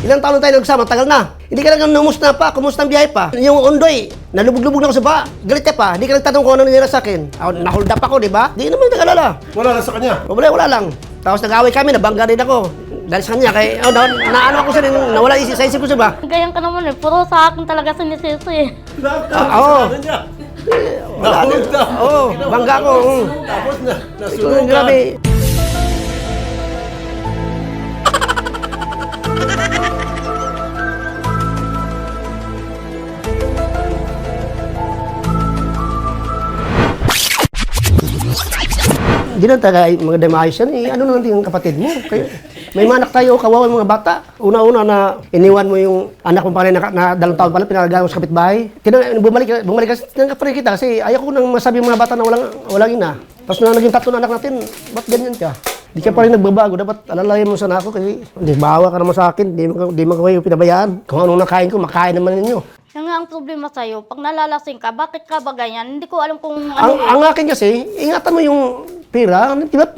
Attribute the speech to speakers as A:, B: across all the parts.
A: Ilang taon na tayo nagsama, tagal na. Hindi ka lang numusta pa, kumusta ang biyahe pa. Yung Ondoy, nalubog-lubog na ako sa ba. Galit ka pa, hindi ka nagtatanong kung ano nangyari sa akin. Nahold up ako, di ba? Di naman nagalala.
B: Wala na sa kanya.
A: Wala lang. Tapos nag-away kami, nabangga rin ako. Dahil sa kanya, kaya naano ako sa rin, nawala sa isip ko siya ba?
C: Ganyan ka naman eh, puro sa akin talaga sinisisi eh.
A: Oo. Wala din. Oo, bangga ako.
B: Tapos nasunog ka.
A: Grabe. Hindi na taga mga demayos yan. Ano na yung kapatid mo? May manak tayo, kawawa mga bata. Una-una na iniwan mo yung anak mo pa rin na 2 taon pala, pinalagawa mo sa kapitbahay. Bumalik kasi tinangkaparin kita kasi ayaw ko nang masabi yung mga bata na walang ina. Tapos na naging 3 na anak natin, ba't ganyan ka? Di ka pa rin nagbabago, dapat alalayan mo sana ako kasi hindi, bawa ka naman sa akin, di mo kayo pinabayaan. Kung anong nakain ko, makain naman ninyo.
C: Yan nga ang problema sa'yo, pag nalalasing ka, bakit ka ba ganyan? Hindi ko alam kung
A: Ang akin kasi, ingatan mo yung pera.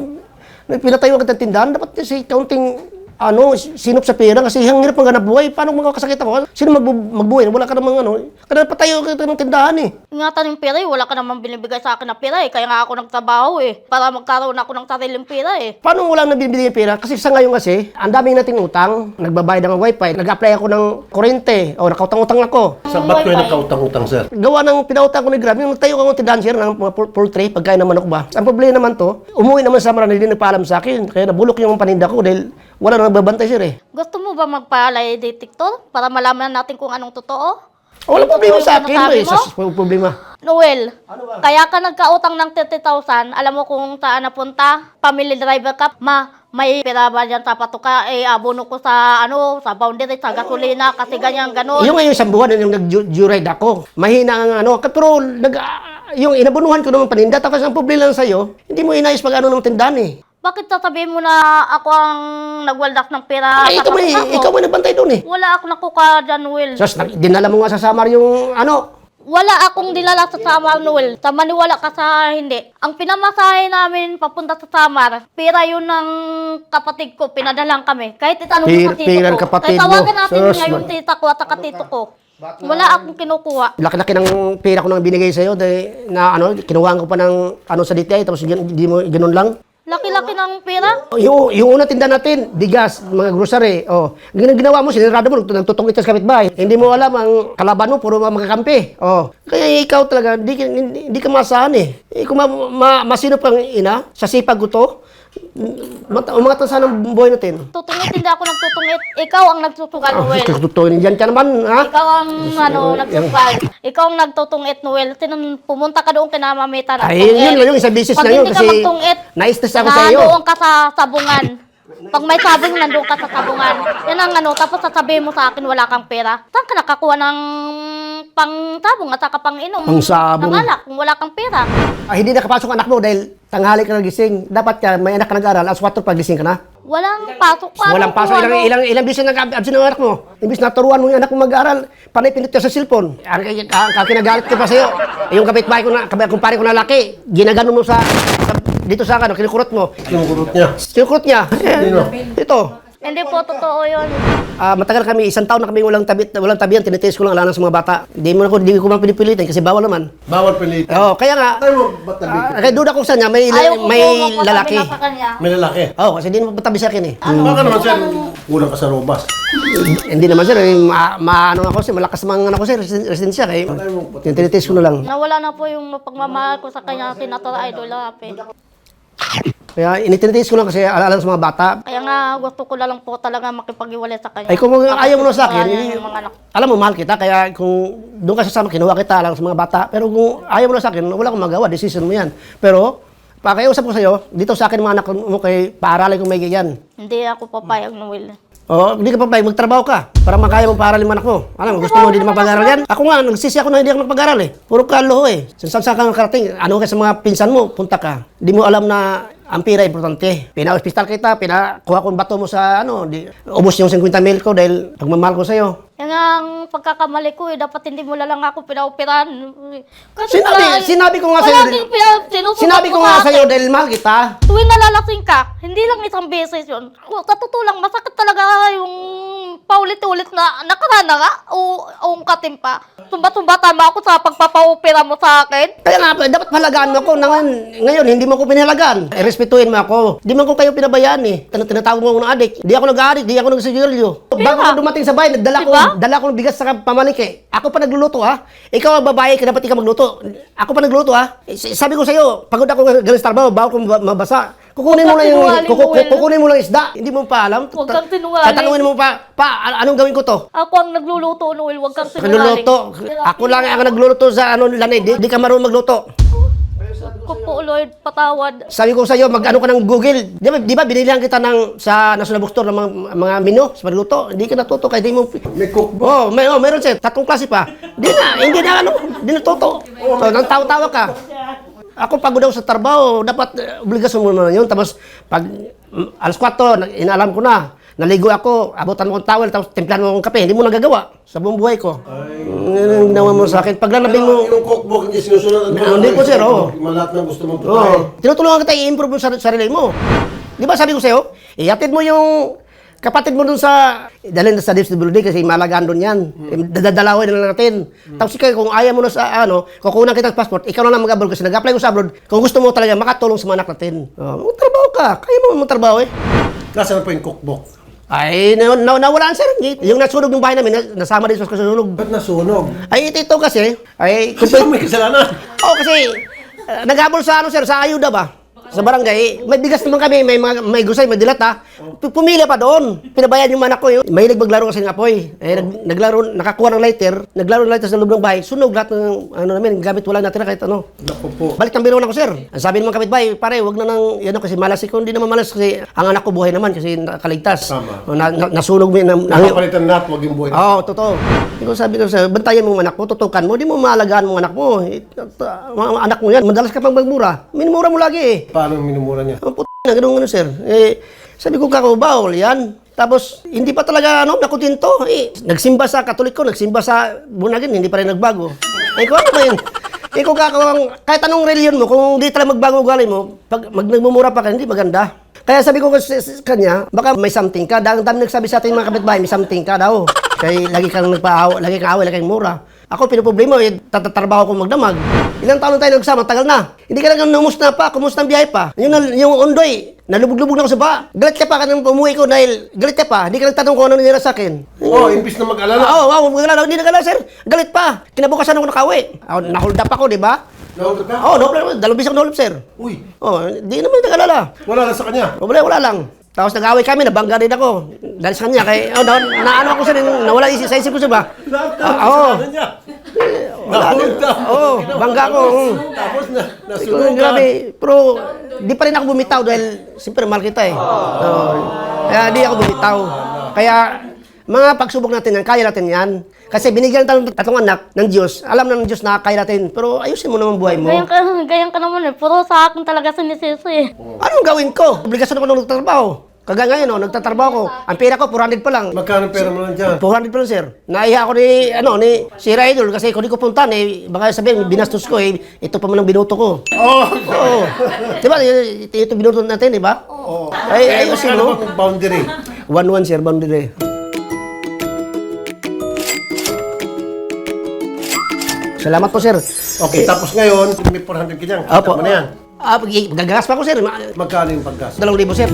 A: Pinatayo ka ng tindahan, dapat kasi kaunting sinop sa pera kasi ang hirap ng ganap buhay. Paano makakasakit ako? Sino magbuhay? Wala ka namang Kaya patayo ka ng tindahan eh.
C: ingatan yung pera eh, wala ka naman binibigay sa akin na pera eh. Kaya nga ako nagtrabaho eh, para magkaroon ako ng sariling pera eh.
A: Paano wala na binibigay yung pera? Kasi sa ngayon kasi, ang daming nating utang, nagbabayad ng wifi, nag-apply ako ng kuryente, o nakautang-utang ako.
B: Sa ba't kayo nagkautang-utang, sir?
A: Gawa ng pinautang ko ni Grab, yung nagtayo ako ng tindahan sir ng mga poultry, pagkain naman ako ba. Ang problema naman to, umuwi naman sa Marana, hindi nagpaalam sa akin, kaya nabulok yung paninda ko dahil wala na nagbabantay sir eh.
C: Gusto mo ba magpa-lie detector para malaman natin kung anong totoo?
A: Wala problema sa akin,
C: Sinasabi
A: may
C: mo?
A: problema.
C: Noel, kaya ka nagkautang ng 30,000, alam mo kung saan napunta? Family driver ka, may pera ba dyan sa patuka? Abono ko sa sa boundary, sa gasolina, kasi ganyan, ganon.
A: Yung ngayon isang buwan yung nag-juride ako, mahina ang pero yung inabunuhan ko naman paninda, tapos ang problema lang sa'yo, hindi mo inayos pag ng tindahan eh.
C: Bakit sasabihin mo na ako ang nagwaldas ng pera
A: Ay,
C: sa patuka ko?
A: ikaw may nagbantay doon eh.
C: Wala akong nakuka dyan, Noel.
A: Sos, dinala mo nga sa Samar yung
C: Wala akong dinala sa Samar, Noel. Maniwala ka sa hindi. Ang pinamasahe namin papunta sa Samar, pera yun ng kapatid ko, pinadalang kami. Kahit itanong mo sa tito
A: Pera ng
C: ko.
A: kapatid
C: Kahit
A: mo.
C: tawagan natin
A: Sus,
C: ngayon tita ko at saka tito ko. Wala akong kinukuha.
A: Laki-laki ng pera ko nang binigay sa'yo dahil na kinuhaan ko pa ng sa DTI tapos hindi mo ganun lang.
C: Laki-laki ng pera.
A: Yung una tinda natin, bigas, mga grocery. Ginawa mo, sinirado mo, nagtutungit sa kapitbahay. Hindi mo alam, ang kalaban mo, puro magkakampi. Kaya ikaw talaga, hindi ka masahan eh. Kung masinop kang ina, sa sipag ko to, umangat na sana ang buhay natin.
C: Tutungit, hindi ako nagtutungit. Ikaw ang nagtutugal, Noel.
A: Tututuin dyan ka naman, ha?
C: Ikaw ang nagtutugal. Ikaw ang nagtutungit, Noel. Pumunta ka doon kina Mamita na
A: Ay, yun lang yung isang business
C: Pag
A: na yun
C: hindi
A: kasi
C: ka magtungit,
A: na-stress ako sa iyo.
C: nandoon ka sa sabungan. Pag may sabong, nandoon ka sa sabungan. Yan ang tapos sasabihin mo sa akin, wala kang pera. Saan ka nakakuha ng pang-sabong at saka pang-inom?
A: Pang-sabong.
C: Ng alak, kung wala kang pera.
A: Hindi nakapasok anak mo dahil tanghali ka nagising. Dapat may anak ka nag-aaral, alas 4 pag gising ka na.
C: Walang pasok pa.
A: Walang pasok. Ilang bisis nag-absent ng anak mo. Imbis na turuan mo yung anak mo mag-aaral, panay pinit ka sa cellphone. Kinagalit ko pa sa'yo. Yung kapitbahay ko na, kumpare ko na laki, ginagano mo dito sa kinukurot mo.
B: Kinukurot niya.
A: Kinukurot niya. Ito.
C: Hindi po totoo yun.
A: Matagal kami, 1 taon na kami walang tabihan, tinitest ko lang alam sa mga bata. Hindi ko man pinipilitin kasi bawal naman.
B: Bawal pilitin.
A: Kaya nga,
B: Ay mo, ba't nabigyan?
A: kaya duda ko sa niya, may lalaki.
B: May lalaki.
A: Kasi hindi mo matabi sa akin eh.
B: Baka naman, sir, kulang ka sa robas.
A: Hindi naman sir, ako sir, malakas mga ako sir, residensya kaya tinitest ko na lang.
C: Nawala na po yung pagmamahal ko sa kanya, Senator Idol Rapi.
A: Kaya initinitest ko lang kasi alam sa mga bata.
C: Kaya nga gusto ko na lang po talaga makipag-iwalay sa kanya.
A: Ay kung ayaw mo na sa akin,
C: Yung mga anak.
A: alam mo mahal kita, kaya kung doon ka sasama, kinuha kita lang sa mga bata. Pero kung ayaw mo na sa akin, wala akong magawa, decision mo yan. Pero, pakiusap ko sa'yo, dito sa akin mga anak mo kay paaralin kung may ganyan.
C: Hindi ako papayag, Noel.
A: Hindi ka papayag, magtrabaho ka para makaya mo paaralin mga anak mo. Alam mo, gusto mo hindi na mapag-aral yan? Ako nga, nagsisi ako na hindi ako mapag-aral eh. Puro kaloho eh. Saan ka karating? Ano ka sa mga pinsan mo? Punta ka. Hindi mo alam na ang pira importante. Pina-hospital kita, pinakuha ko yung bato mo sa ubos yung 50 mil ko dahil pagmamahal ko sa'yo.
C: Yan ang pagkakamali ko dapat hindi mo lang ako pinaoperahan. Kasi
A: Sinabi ko nga sa'yo,
C: palaging sinusunod
A: sinabi ko
C: mo
A: nga
C: sa
A: sa'yo
C: akin.
A: dahil mahal kita.
C: Tuwing nalalasing ka, hindi lang isang beses yun. Sa totoo lang, masakit talaga yung paulit-ulit na nakarana nga o ungkatin pa. Sumba-sumba tama ako sa pagpapaopera mo sa akin.
A: Kaya nga, dapat pahalagaan mo ako. Ngayon, hindi mo ako pinahalagaan. Respetuhin mo ako. Di man ko kayo pinabayaan eh. Tinatawag mo ako ng adik. Di ako nag-aadik, di ako nagsigarilyo. Bago ako dumating sa bahay, dala ko ng bigas sa pamalike. Ako pa nagluluto ha. Ikaw ang babae, dapat ikaw magluto. Ako pa nagluto ha. Sabi ko sa'yo, pagod ako galing sa trabaho, bago ko mabasa. Kukunin mo lang kukunin mo lang isda. Hindi mo pa alam.
C: Huwag kang sinungaling.
A: Tatanungin mo pa, anong gawin ko to?
C: Ako ang nagluluto, Noel. Huwag kang sinungaling.
A: Nagluluto. Ako lang ang nagluluto sa lanay. Di ka marunong magluto.
C: Ko po, Lord, patawad.
A: Sabi ko sa iyo, mag-ano ka ng Google. Di ba binilihan kita sa National Bookstore ng mga menu sa pagluto. Hindi ka natuto kaya di mo.
B: May cookbook.
A: Meron siya. 3 klase pa. Hindi na natuto. So, nang tawa-tawa ka. Ako pagod daw sa trabaho, dapat obligasyon mo na yun. Tapos, pag alas 4, inaalam ko na, naligo ako, abutan mo akong towel, tapos timplahan mo akong kape. Hindi mo nagagawa sa buong buhay ko. Ang ginawa mo sa akin. Pag lalabing mo,
B: Yung cookbook, hindi sinusunod.
A: Hindi po, sir, oo.
B: Lahat ng gusto mong pagkain.
A: Tinutulungan kita i-improve mo sa sarili mo. Di ba sabi ko sa'yo, iatid mo yung kapatid mo dun dalhin sa DSWD kasi malagaan dun yan. Dadalawin na lang natin. Tapos ikaw, kung ayaw mo na sa kukunan kita ng passport, ikaw na lang mag-abroad kasi nag-apply ko sa abroad. Kung gusto mo talaga makatulong sa mga anak natin. Magtrabaho ka. Kaya mo magtrabaho eh.
B: Nasaan po yung cookbook?
A: Ay, nawalaan sir. Yung nasunog ng bahay namin, nasama din sa kasunog.
B: Ba't nasunog?
A: Ay, ito kasi,
B: Kasi may kasalanan.
A: kasi, nag-abol sa sir, sa ayuda ba? Sa barangay, may bigas naman kami, may gusay, may dilat ha. Pumili pa doon. Pinabayad yung anak ko. Mahilig maglaro kasi ng apoy. Naglaro, nakakuha ng lighter, naglaro ng lighter sa loob ng bahay. Sunog lahat ng namin, gamit wala natin na kahit ano.
B: Naku po.
A: Balik ng biro na ko, sir. Ang sabi naman kapitbahay, pare, wag na nang, kasi malas ko. Hindi naman malas kasi ang anak ko buhay naman kasi nakaligtas.
B: Tama.
A: Nasunog mo yun.
B: Nakapalitan lahat, wag yung buhay.
A: Oo, totoo. Sabi ko sa'yo, bantayan mo ang anak mo, tutukan mo, di mo maalagaan mo ang anak mo. Mga anak mo yan, madalas ka pang magmura. Minumura mo lagi eh.
B: Paano minumura niya?
A: Ang na ganun sir. Sabi ko bawal yan. Tapos, hindi pa talaga, nakutinto. Nagsimba sa Katoliko, nagsimba sa Bunagin, hindi pa rin nagbago. Kung ano ba yun? Kahit anong reliyon mo, kung di talaga magbago ugali mo, pag nagmumura pa ka, hindi maganda. Kaya sabi ko sa kanya, baka may something ka. Dahil dami nagsabi sa ating mga kapitbahay, may something ka daw. Kaya lagi kang nagpaawa, lagi kang away, lagi kang mura. Ako, pinaproblema, tatatrabaho ko magdamag. Ilang taon na tayo nagsama, tagal na. Hindi ka lang numusta pa, kumusta ang biyahe pa. Yung undoy, nalubog-lubog na ako sa ba. Galit ka pa ka nang umuwi ko dahil galit ka pa. Hindi ka nagtanong kung ano nangyari sa akin.
B: Imbis na mag-alala.
A: Mag-alala. Hindi nag-alala, sir. Galit pa. Kinabukasan ako nakawi. Nahold up ako, di ba?
B: Nahulog ka?
A: Dalawang bisang nahold up, sir.
B: Uy,
A: Di naman nag-alala.
B: wala lang sa kanya.
A: Wala lang. Tapos nag-away kami, nabangga rin ako. Dahil sa kanya, naano ako sa rin, nawala sa isip ko siya ba?
B: Lahat niya. Nahulog ka.
A: Bangga ako.
B: Tapos nasunog ka.
A: Grabe. Pero di pa rin ako bumitaw dahil siyempre mahal kita eh. Kaya di ako bumitaw. Kaya mga pagsubok natin yan, kaya natin yan. Kasi binigyan tayo ng 3 anak ng Diyos. Alam na ng Diyos na kaya natin. Pero ayusin mo naman buhay mo.
C: Ganyan ka naman eh. Puro sa akin talaga sinisisi eh.
A: Anong gawin ko? Obligasyon ako nung nagtatrabaho. Kagaya ngayon, nagtatrabaho ko. Ang pera ko, 400 pa lang.
B: Magkano pera mo lang dyan?
A: 400 pa lang, sir. Naiya ako ni si Idol kasi kung di ko puntahan, baka sabihin, binastos ko, ito pa man ang binuto ko. Oo. Diba, ito binuto natin, di ba?
B: Oo.
A: Ay, ayusin mo.
B: Ano bang boundary?
A: 1-1, sir, boundary. Salamat po, sir.
B: Okay, tapos ngayon, may 400 ka dyan.
A: Opo.
B: Kita mo na yan.
A: Gagagas pa ako, sir.
B: Magkano yung paggas?
A: 2,000, sir.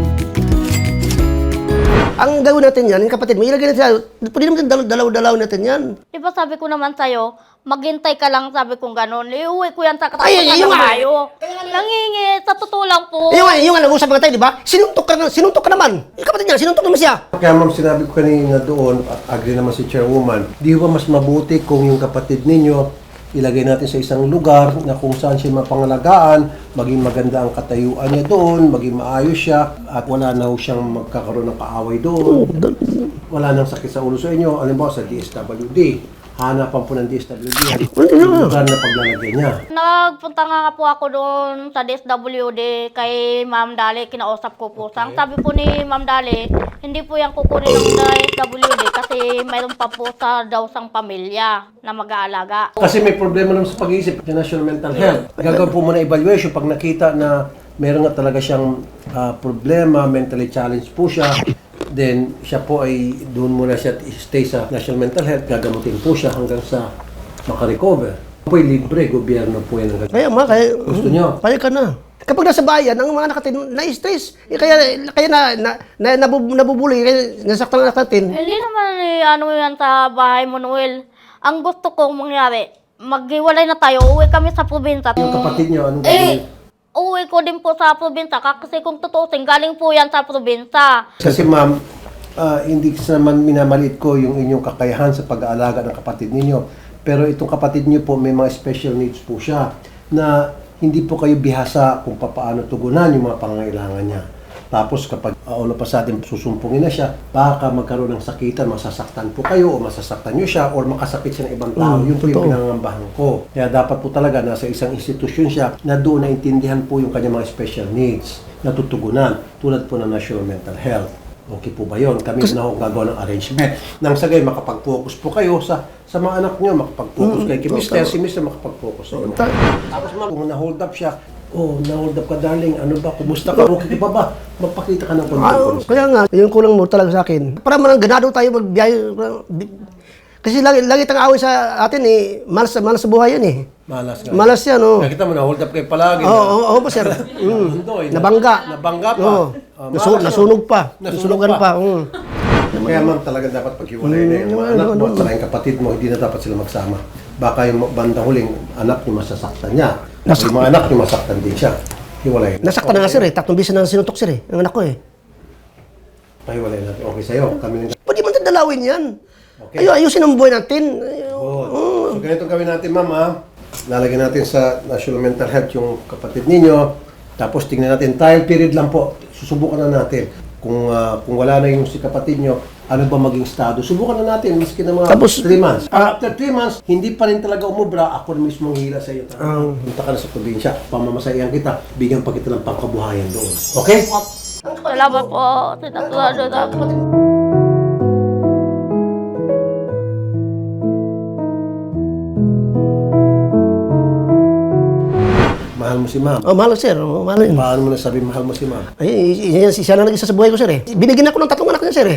A: Ang gawin natin yan, yung kapatid mo, ilagay natin pwede naman dalaw-dalaw natin yan.
C: Di ba sabi ko naman sa'yo, maghintay ka lang, sabi kong gano'n. Iuwi ko yan sa
A: Ay,
C: katapusan
A: yung
C: ng
A: nga.
C: Mayo. Nangingi, sa totoo lang po.
A: Yung nga, nag-usap nga tayo, di ba? Sinuntok ka naman. Yung kapatid niya, sinuntok naman siya.
B: Kaya ma'am, sinabi ko kanina doon, at agree naman si Chairwoman, di ba mas mabuti kung yung kapatid ninyo ilagay natin sa isang lugar na kung saan siya mapangalagaan, maging maganda ang katayuan niya doon, maging maayos siya, at wala na ho siyang magkakaroon ng kaaway doon. Wala nang sakit sa ulo sa inyo. Alam mo, sa DSWD, hanapan po ng DSWD yung lugar na paglalagay niya.
C: Nagpunta nga po ako doon sa DSWD kay Ma'am Dali, kinausap ko po. Ang sabi po ni Ma'am Dali, hindi po yan kukunin ng DSWD kasi mayroon pa po sa daw sang pamilya na mag-aalaga.
B: Kasi may problema naman sa pag-iisip sa National Mental Health. Gagawin po muna evaluation pag nakita na meron nga talaga siyang problema, mentally challenged po siya, then siya po ay doon muna siya stay sa National Mental Health, gagamutin po siya hanggang sa makarecover. Po ay libre, gobyerno po yan.
A: Kaya kaya...
B: Gusto nyo?
A: Kaya ka na. Kapag nasa bayan, ang mga anak natin na-stress. Kaya nabubuli, kaya nasaktan ang anak natin.
C: Hindi naman ano yan sa bahay mo, Noel. Ang gusto kong mangyari, maghiwalay na tayo, uwi kami sa probinsya.
B: Yung kapatid nyo, anong gagawin?
C: Uwi ko din po sa probinsya kasi kung tutusin, galing po yan sa probinsya.
B: Kasi ma'am, hindi sa naman minamaliit ko yung inyong kakayahan sa pag-aalaga ng kapatid ninyo. Pero itong kapatid niyo po, may mga special needs po siya na hindi po kayo bihasa kung paano tugunan yung mga pangangailangan niya. Tapos kapag ulo pa sa atin susumpungin na siya, baka magkaroon ng sakitan, masasaktan po kayo o masasaktan niyo siya or makasakit siya ng ibang tao. Yun po yung pinangangambahan ko. Kaya dapat po talaga nasa isang institusyon siya na doon naintindihan po yung kanyang mga special needs na tutugunan tulad po ng National Mental Health. Okay po ba yun? Kami na ho gagawa ng arrangement. Nang sagay, makapag-focus po kayo sa mga anak nyo, makapag-focus kayo kay Mr. Si Mr. makapag-focus sa inyo. Tapos ma'am, kung na-hold up siya, na-hold up ka darling, ano ba, kumusta ka, okay ka ba? Magpakita ka ng confidence.
A: Kaya nga, yung kulang mo talaga sa akin. Para man ganado tayo magbiyahe. Kasi lagi tayong away sa atin malas sa buhay yan
B: Malas nga.
A: Malas yan,
B: Nakita mo, na-hold up kayo palagi.
A: Oo po, sir. Nabangga.
B: Nabangga pa.
A: Nasunog pa. Nasunugan pa.
B: Kaya ma'am, talaga dapat paghiwalay na yung mga anak mo at saka yung kapatid mo, hindi na dapat sila magsama. Baka yung bandang huling anak niyo masasaktan niya. Yung mga anak niyo masaktan din siya. Hiwalay.
A: Nasaktan na nga sir 3 beses na sinutok sir ang anak ko
B: Pahiwalay natin. Okay sa'yo. Kami ng...
A: Pwede man tayo dalawin yan.
B: Okay.
A: Ayusin ang buhay natin.
B: So ganito gawin natin ma'am ha. Lalagyan natin sa National Mental Health yung kapatid ninyo. Tapos tingnan natin, trial period lang po. Susubukan na natin. Kung wala na yung si kapatid nyo, ano ba maging estado? Subukan na natin, maski na mga 3 months. After 3 months, hindi pa rin talaga umubra, ako na mismo ang hila sa iyo. Punta ka na sa probinsya, pamamasayan kita, bigyan pa kita ng pangkabuhayan doon. Okay?
C: Salamat po, sinasalamat.
B: Mahal mo si ma'am.
A: Mahal sir. Mahal yun.
B: Paano mo nasabi mahal mo si ma'am?
A: Siya lang nag-isa sa buhay ko sir Binigyan ako ng 3 anak niya sir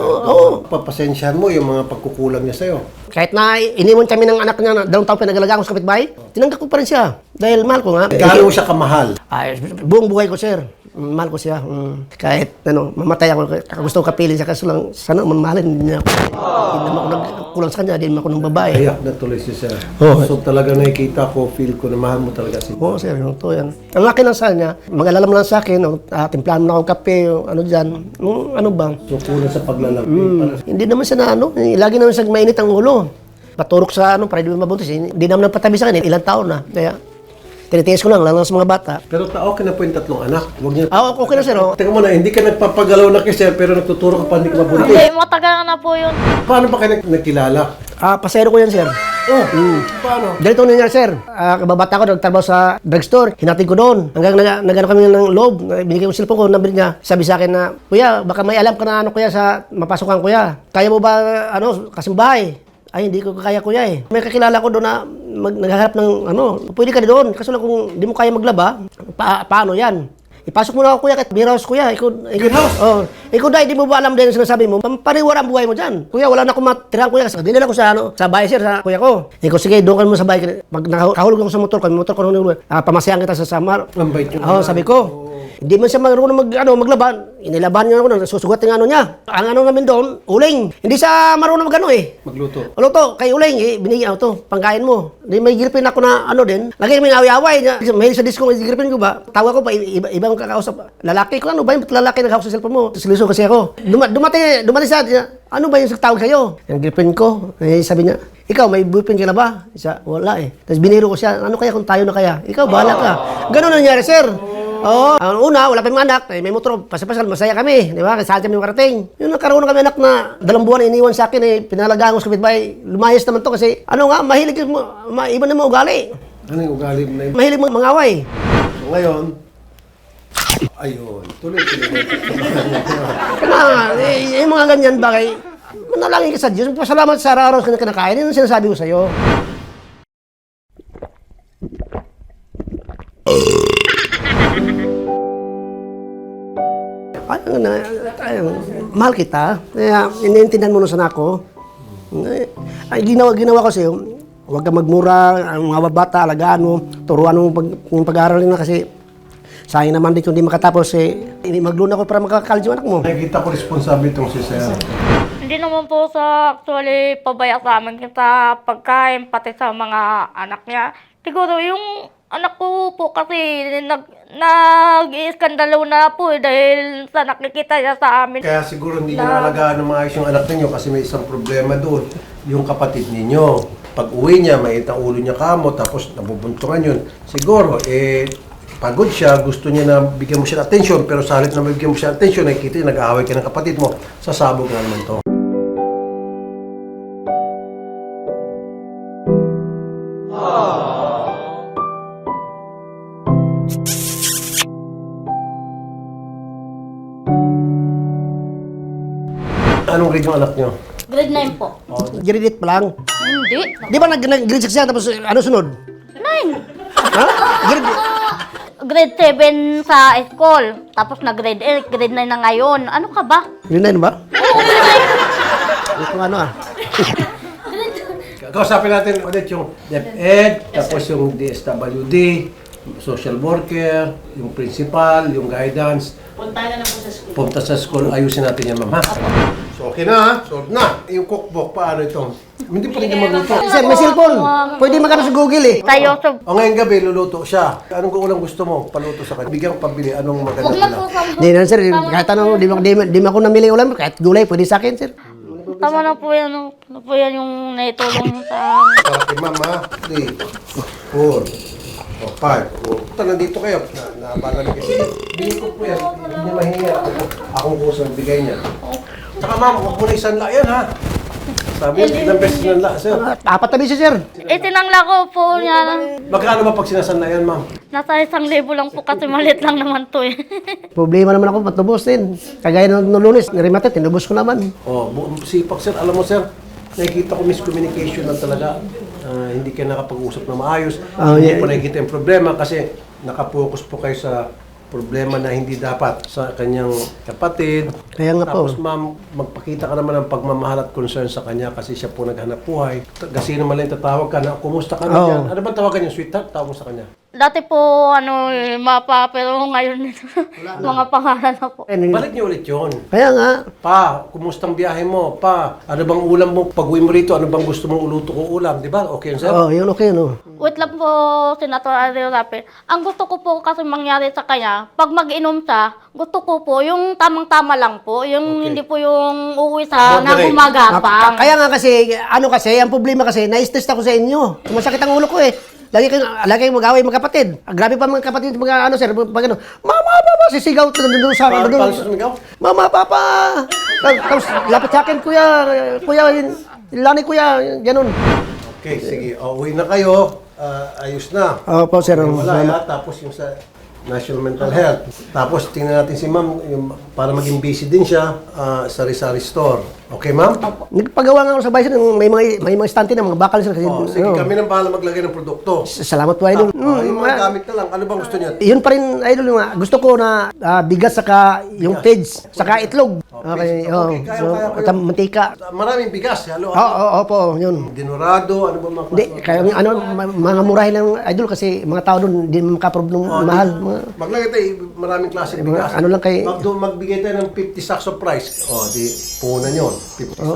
A: Oo.
B: Papasensyahan mo yung mga pagkukulang niya sa'yo.
A: Kahit na iniwan kami ng anak niya na 2 taon pinagalagaan ko sa kapitbahay, tinanggap ko pa rin siya. Dahil mahal ko nga.
B: Gaano mo siya kamahal?
A: Buong buhay ko sir. Mahal ko siya. Kahit mamatay ako, gusto ko kapiling siya kasi lang sana mamahalin niya ako. Hindi naman ako nagkulang sa kanya, hindi naman ako ng babae.
B: Ayak na tuloy si sir. So talaga nakikita ko, feel ko na mahal mo talaga si
A: Oo sir, yung to yan. Ang akin lang sa kanya, mag-alala mo lang sa akin, timplahan mo na akong kape, ano dyan, ano ba?
B: So kulang sa paglalambing.
A: Hindi naman siya na lagi naman siya mainit ang ulo. Paturok sa para hindi mabuti. Hindi naman napatabi sa akin, ilang taon na. Kaya, tinitiis ko lang, lalo sa mga bata.
B: Pero okay na po yung 3 anak. Huwag niya...
A: Okay na sir,
B: Teka muna, hindi ka nagpapagalaw na kay sir, pero nagtuturo ka pa, hindi ka mabuntis.
C: Hindi, matagal na po yun.
B: Paano ba kayo nagkilala?
A: Pasero ko yan sir.
B: Paano?
A: Ganito nangyari sir, kababata ko, nagtrabaho sa drugstore, hinatid ko doon. Hanggang nagano kami ng loob, binigay ko yung cellphone ko, number niya. Sabi sa akin na, kuya, baka may alam ka na kuya sa mapasukan kuya. Kaya mo ba, kasimbahay? Ay, hindi ko kaya kuya May kakilala ko doon na naghahanap ng pwede ka doon. Kaso lang kung hindi mo kaya maglaba, paano yan? Ipasok mo na ako kuya, kahit beer house kuya.
B: Beer house?
A: Ikaw dahil di mo ba alam din ang sinasabi mo, pariwara ang buhay mo dyan. Kuya, wala na akong matirahan kuya. Kasi dinala ko sa bahay sir, sa kuya ko. Ikaw sige, doon ka mo sa bahay. Pag nakahulog ako sa motor ko pamasayan kita sa samar.
B: Ang bait yun.
A: Sabi ko. Hindi man siya marunong maglaban. Inilaban niya ako, susugat ng niya. Ang namin doon, uling. Hindi siya marunong
B: Magluto.
A: Kay uling, binigyan ako pangkain mo. Hindi may girlfriend ako na din. Lagi kami away-away. Mahilig sa disco, may girlfriend ko ba? Tawa ko pa, ibang kakausap. Lalaki ko, ano ba yung lalaki nag-hawak sa cellphone mo? Siluso kasi ako. Dumating siya, ano ba yung tawag sa'yo? Yung girlfriend ko, sabi niya, ikaw, may boyfriend ka na ba? Siya, wala Tapos biniro ko siya, ano kaya kung tayo na kaya? Ikaw, bahala ka. Ganun nangyari, sir. Ang una, wala pa yung anak, may motor, pasapasal, masaya kami, di ba? Kasi saan kami makarating. Yung nagkaroon kami anak na 2 buwan iniwan sa akin, pinalagaan ko sa kapitbahay. Lumayas naman to kasi, mahilig mo, iba naman ugali.
B: Ano yung ugali mo na yun?
A: Mahilig mo mangaway.
B: So ngayon, ayun, tuloy.
A: Yung mga ganyan bagay, Manalangin ka sa Diyos. Pasalamat sa araw-araw ka na kinakain. Yan ang sinasabi ko sa'yo. Mahal kita. Kaya iniintindihan mo na sana ako. Ay, ginawa ko sa'yo. Huwag ka magmura. Ang mga bata, alagaan mo. Turuan mo yung pag-aaral na kasi sayang naman din kung hindi makatapos. Mag-loan ako para makakalit yung anak mo.
B: Nakikita ko responsable itong si Sir.
C: Hindi naman po sa actually pabaya sa amin sa pagkain, pati sa mga anak niya. Siguro yung anak ko po kasi nag-iiskandalo na po dahil sa nakikita niya sa amin.
B: Kaya siguro hindi niyo nalagaan ng maayos yung anak ninyo kasi may isang problema doon, yung kapatid ninyo. Pag uwi niya, mait ang ulo niya kamo, tapos nabubuntungan yun. Siguro, pagod siya, gusto niya na bigyan mo siya ng atensyon, pero sa halip na bigyan mo siya ng atensyon, nakikita niya, nag-aaway ka ng kapatid mo, sasabog na naman to. Anong grade yung anak niyo?
C: Grade 9 po.
A: Grade 8 pa lang.
C: Hindi.
A: Di ba nag-grade 6 siya tapos ano sunod?
C: 9.
A: Ha? Grade...
C: Grade 7 sa school. Tapos na grade 8, grade 9 na ngayon. Ano ka ba?
A: Grade 9 ba? Ito ano ah.
B: Kausapin natin ulit yung DepEd, tapos yung DSWD, social worker, yung principal, yung guidance. Punta sa school, ayusin natin yan, ma'am, ha? So, okay na, ha? Solve na. Yung cookbook, paano ito? Hindi pa rin niya magluto.
A: Sir, may cellphone. Pwede magkano sa Google eh.
C: Tayo sa...
B: O ngayong gabi, luluto siya. Anong ulang gusto mo? Paluto sa kanya. Bigyan ko pabili. Anong maganda
C: Huwag lang
B: nila?
C: po sa...
A: Hindi na sir, kahit ano, di mo ako namili ulam, kahit gulay, pwede sa akin sir.
C: Tama na po yan. Ano po yan yung naitulong sa...
B: Para kay ma'am, ha? 3, 4, o 5. O, puta, nandito kayo. Naabala na kasi. Bigyan ko po yan. Hindi niya mahinga. Akong kusang bigay niya. Saka ma'am, huwag mo na isanla yan, ha? Sabi niya, ilang beses sinanla, sir.
A: Apat na beses sir.
C: Itinangla ko po niya.
B: Magkano ba pag sinasanla yan, ma'am?
C: Nasa 1,000 lang po kasi malit lang naman to eh.
A: Problema naman ako patubos din. Kagaya ng lunes, nirimate, tinubos ko naman.
B: Oh, sipag, sir. Alam mo, sir, nakikita ko miscommunication lang talaga. Hindi kayo nakapag-usap na maayos.
A: Oh,
B: Hindi
A: yeah.
B: po nakikita yung problema kasi nakapokus po kayo sa problema na hindi dapat sa kanyang kapatid.
A: Kaya nga po.
B: Tapos ma'am, magpakita ka naman ng pagmamahal at concern sa kanya kasi siya po naghanap buhay. Kasi naman lang tatawag ka na, kumusta ka na
A: Oo.
B: dyan? Ano ba tawagan yung sweetheart? Tawag mo sa kanya.
C: Dati po, ano, mapa, pero ngayon, mga pangalan na po.
B: Balik niyo ulit yun.
A: Kaya nga,
B: Pa, kumustang biyahe mo? Pa, ano bang ulam mo? Pag uwi mo rito, ano bang gusto mong uluto ko ulam? Di ba? Okay yun, sir?
A: oh, yun okay no.
C: Wait lang po, Senator Ariel Rapi. Ang gusto ko po kasi mangyari sa kanya, pag mag-inom siya, gusto ko po yung tamang-tama lang po. Yung
B: Okay.
C: hindi po yung uuwi sa
B: Moderate.
C: nang gumagapang.
A: Kaya nga kasi, ano kasi, ang problema kasi, na-stress ako sa inyo. Masakit ang ulo ko eh. Lagi kayong mag-away mga kapatid. Grabe pa mga kapatid, mga ano sir, pag ano, mama, papa, sisigaw doon sa
B: Paano sumigaw?
A: mama, papa. Tapos lapit sa akin, kuya, lani kuya, ganun.
B: Okay, sige. Uwi na kayo. Ayos na.
A: Opo sir.
B: Wala ha. Tapos yung sa National Mental Health. Tapos tingnan natin si ma'am yung, para maging busy din siya sa Rizal Store. Okay, ma'am?
A: Nagpagawa nga ako sa bahay sir, may mga stante na, mga bakal sir. Kasi,
B: Sige, kami nang bahala maglagay ng produkto.
A: Salamat po idol.
B: Yung mga gamit na lang. Ano bang gusto niya?
A: Yun pa rin, idol, yung gusto ko na bigas saka yung pigs, saka itlog. Okay,
B: Okay, kaya ko yun.
A: mantika.
B: Maraming bigas. Halo,
A: Opo, yun.
B: Dinurado, ano ba mga
A: Hindi, kaya yung mga murahin lang, idol, kasi mga tao doon, hindi makaprob ng mahal.
B: Maglagay tayo maraming klaseng
A: Mga
B: bigas.
A: ano lang kay-
B: Magbigay tayo ng 50 sacks of rice. Di punan yun. 50 sacks.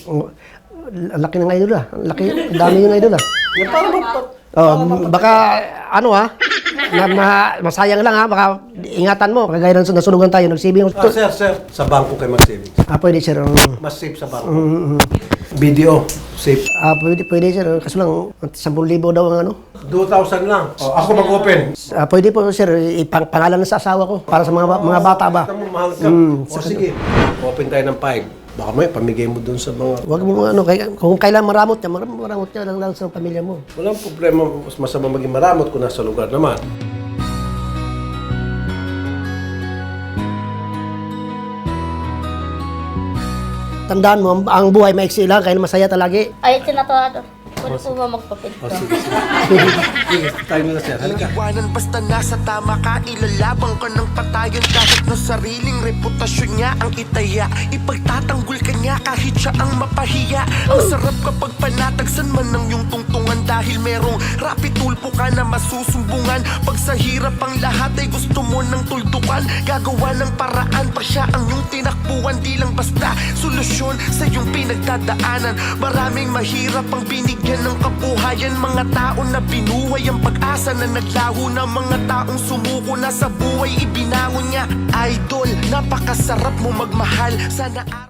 A: Ang laki ng idol Ang laki, ang dami yung idol
B: Yan, para
A: Baka, ano masayang lang baka ingatan mo, kagaya ng nasunugan tayo, nagsibing.
B: sir, sa bangko kayo mag-savings.
A: Pwede sir.
B: Mas safe sa bangko. Video, safe.
A: Pwede sir, kaso lang, 10,000 daw ang ano.
B: 2,000 lang. Ako mag-open.
A: Pwede po sir, ipangalan na sa asawa ko, para sa mga bata ba.
B: Kita mo, mahal ka. Sige, open tayo ng 5. Baka may pamigay mo dun sa mga...
A: Huwag mo kung kailan maramot niya lang sa pamilya mo.
B: Walang problema, mas masama maging maramot kung nasa lugar naman.
A: Tandaan mo, ang buhay maiksi lang, kaya masaya talagi.
C: Ay, Senator, pwede po ba magpa-picture?
B: Sige, tayo muna sir. Halika.
D: Iwanan basta nasa tama ka, ilalabang ka ng patayon kahit na sariling reputasyon niya ang itaya. Ipagtatanggol ka niya kahit siya ang mapahiya. Ang sarap kapag panatagsan man ng iyong tungtungan dahil merong rapid tulpo ka na masusumbungan. Pag sa hirap ang lahat ay gusto mo ng tuldukan, gagawa ng paraan pa siya ang iyong tinakbuhan. Di lang basta solusyon sa iyong pinagdadaanan. Maraming mahirap ang binigyan ng kabuhayan, mga tao na binuhay ang pag-asa na naglaho na, mga taong sumuko na sa buhay ibinangon niya. Idol, napakasarap mo magmahal. Sana